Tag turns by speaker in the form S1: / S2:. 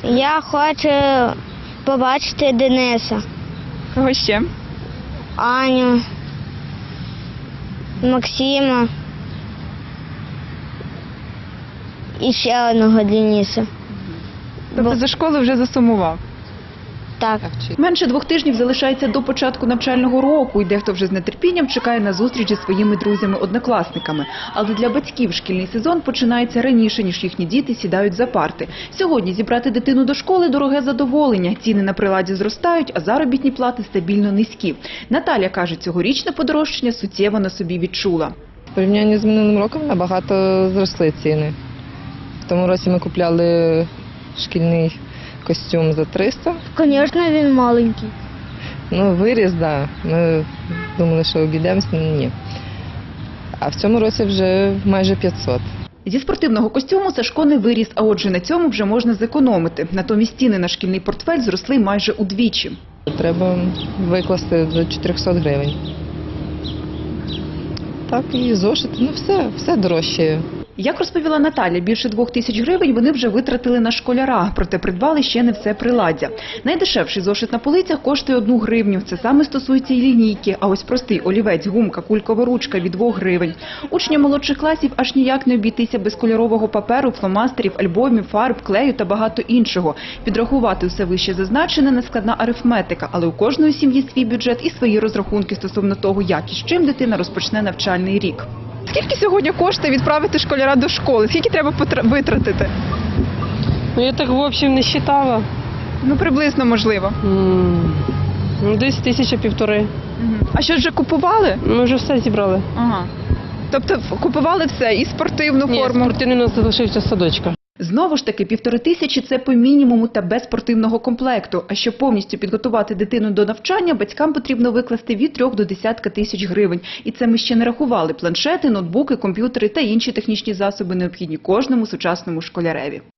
S1: Я хочу побачити Дениса,
S2: Кого ще?
S1: Аню, Максима і ще одного Дениса.
S2: Тобто за школу вже засумував?
S1: Так.
S2: Менше 2 тижнів залишається до початку навчального року, і дехто вже з нетерпінням чекає на зустріч зі своїми друзями-однокласниками. Але для батьків шкільний сезон починається раніше, ніж їхні діти сідають за парти. Сьогодні зібрати дитину до школи – дороге задоволення. Ціни на приладі зростають, а заробітні плати стабільно низькі. Наталя каже, цьогорічне подорожчання суттєво на собі відчула.
S3: В порівнянні з минулим роком набагато зросли ціни. В тому році ми купляли шкільний костюм за 300.
S1: Звісно, він маленький.
S3: Ну, виріс, так. Да. Ми думали, що обійдемося, ні. А в цьому році вже майже 500.
S2: Зі спортивного костюму Сашко не виріс, а отже на цьому вже можна зекономити. Натомість ціни на шкільний портфель зросли майже удвічі.
S3: Треба викласти до 400 гривень. Так, і зошити, ну все дорожчає.
S2: Як розповіла Наталя, більше 2000 гривень вони вже витратили на школяра, проте придбали ще не все приладдя. Найдешевший зошит на полицях коштує 1 гривню. Це саме стосується і лінійки, а ось простий олівець, гумка, кулькова ручка від 2 гривень. Учням молодших класів аж ніяк не обійтися без кольорового паперу, фломастерів, альбомів, фарб, клею та багато іншого. Підрахувати усе вище зазначене – нескладна арифметика, але у кожної сім'ї свій бюджет і свої розрахунки стосовно того, як і з чим дитина розпочне навчальний рік. Скільки сьогодні коштує відправити школяра до школи? Скільки треба витратити?
S4: Ну, я так, в общем, не считала.
S2: Ну, приблизно, можливо.
S4: Ну, десь 1500.
S2: А що, вже купували?
S4: Ми вже все зібрали.
S2: Ага. Тобто купували все, і спортивну
S4: Ні,
S2: форму?
S4: спортивний у нас залишився садочка.
S2: Знову ж таки, 1500 – це по мінімуму та без спортивного комплекту. А щоб повністю підготувати дитину до навчання, батькам потрібно викласти від 3 до десятка тисяч гривень. І це ми ще не рахували планшети, ноутбуки, комп'ютери та інші технічні засоби, необхідні кожному сучасному школяреві.